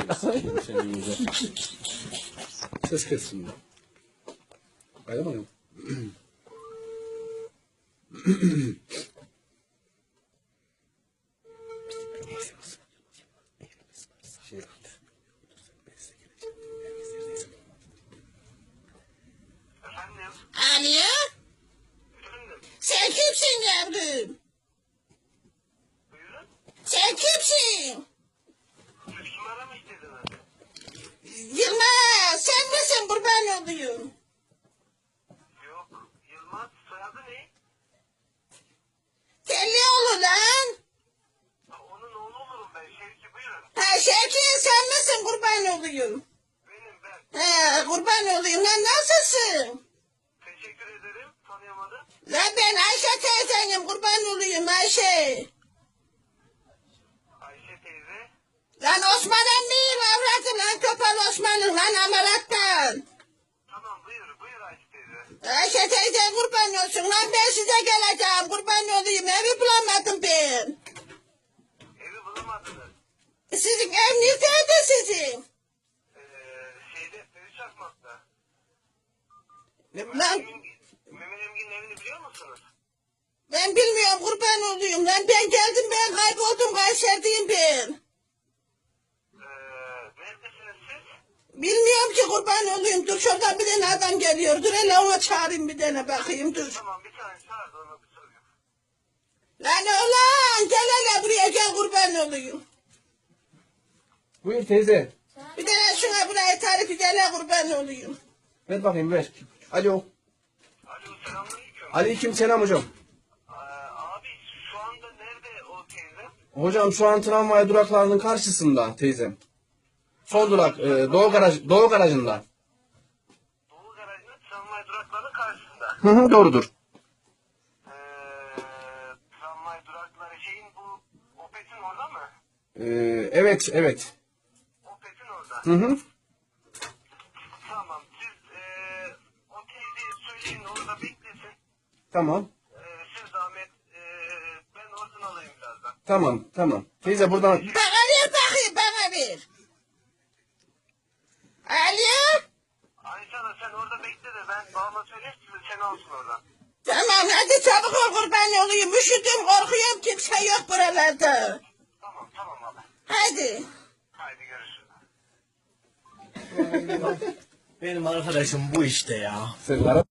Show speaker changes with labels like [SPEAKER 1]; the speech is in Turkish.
[SPEAKER 1] Ses kessin. Kaydamayalım.
[SPEAKER 2] Alo? Sen kimsin yavrum? Sen kimsin? Yılmaz, sen misin kurban olayım?
[SPEAKER 3] Yok, Yılmaz soyadı ne?
[SPEAKER 2] Tellioğlu lan.
[SPEAKER 3] Onun oğlu olurum ben. Şevki buyurun.
[SPEAKER 2] Ha Şevki, sen misin kurban olayım?
[SPEAKER 3] Benim ben.
[SPEAKER 2] He, kurban olayım lan, nasılsın?
[SPEAKER 3] Teşekkür ederim. Tanıyamadım.
[SPEAKER 2] Lan ben Ayşe teyzenim, kurban olayım Ayşe.
[SPEAKER 3] Ayşe teyze.
[SPEAKER 2] Lan Osman emmiyim avradı lan, Topal Osman'ın lan amalattan.
[SPEAKER 3] Tamam buyur Ayşe teyze.
[SPEAKER 2] Ayşe teyze kurban olsun lan, ben size geleceğim, kurban olayım, evi bulamadım ben.
[SPEAKER 3] Evi bulamadınız.
[SPEAKER 2] Sizin ev neredeydi sizin?
[SPEAKER 3] Feri Çakmak'ta.
[SPEAKER 2] Lan
[SPEAKER 3] Mehmet Emgin'in evini biliyor musunuz?
[SPEAKER 2] ben bilmiyorum, kurban olayım lan, ben geldim, ben kayboldum, Kayseri'deyim ben.
[SPEAKER 3] Neredesiniz siz?
[SPEAKER 2] Bilmiyorum ki, kurban olayım, dur şuradan bir tane adam geliyor, dur hele ona çağırayım bir tane bakayım, dur.
[SPEAKER 3] Tamam bir tane çağır da ona bir sorayım.
[SPEAKER 2] Lan oğlan gel hele buraya, gel kurban olayım.
[SPEAKER 1] Buyur teyze.
[SPEAKER 2] Bir tane şuna buraya tarifi, gel hele kurban olayım.
[SPEAKER 1] Ver bakayım ver. Alo.
[SPEAKER 3] Alo selamünaleyküm.
[SPEAKER 1] Aleyküm selam hocam.
[SPEAKER 3] Abi şu anda nerede o teyze?
[SPEAKER 1] Hocam şu an tramvay duraklarının karşısında teyzem. Son durak Doğu garajında.
[SPEAKER 3] Doğu garajının tramvay durakları karşısında.
[SPEAKER 1] Hı hı doğrudur.
[SPEAKER 3] Tramvay durakları şeyin bu Opet'in orada mı?
[SPEAKER 1] Evet evet.
[SPEAKER 3] Opet'in orada.
[SPEAKER 1] Hı hı.
[SPEAKER 3] Tamam siz o teyzeyi söyleyin orada beklesin.
[SPEAKER 1] Tamam.
[SPEAKER 3] Siz zahmet ben oradan alayım birazdan.
[SPEAKER 1] Tamam. Teyze buradan
[SPEAKER 2] Bana ver bakayım, bana ver. Alo?
[SPEAKER 3] Ayşe Hanım sen orada bekle de ben babama söyleyeyim seni alsın oradan.
[SPEAKER 2] Tamam hadi çabuk ol, kurban olayım, üşüdüm, korkuyorum, kimse yok buralarda.
[SPEAKER 3] Tamam abi.
[SPEAKER 2] Hadi.
[SPEAKER 3] Haydi görüşürüz.
[SPEAKER 4] Benim arkadaşım bu işte ya.
[SPEAKER 1] sen ara.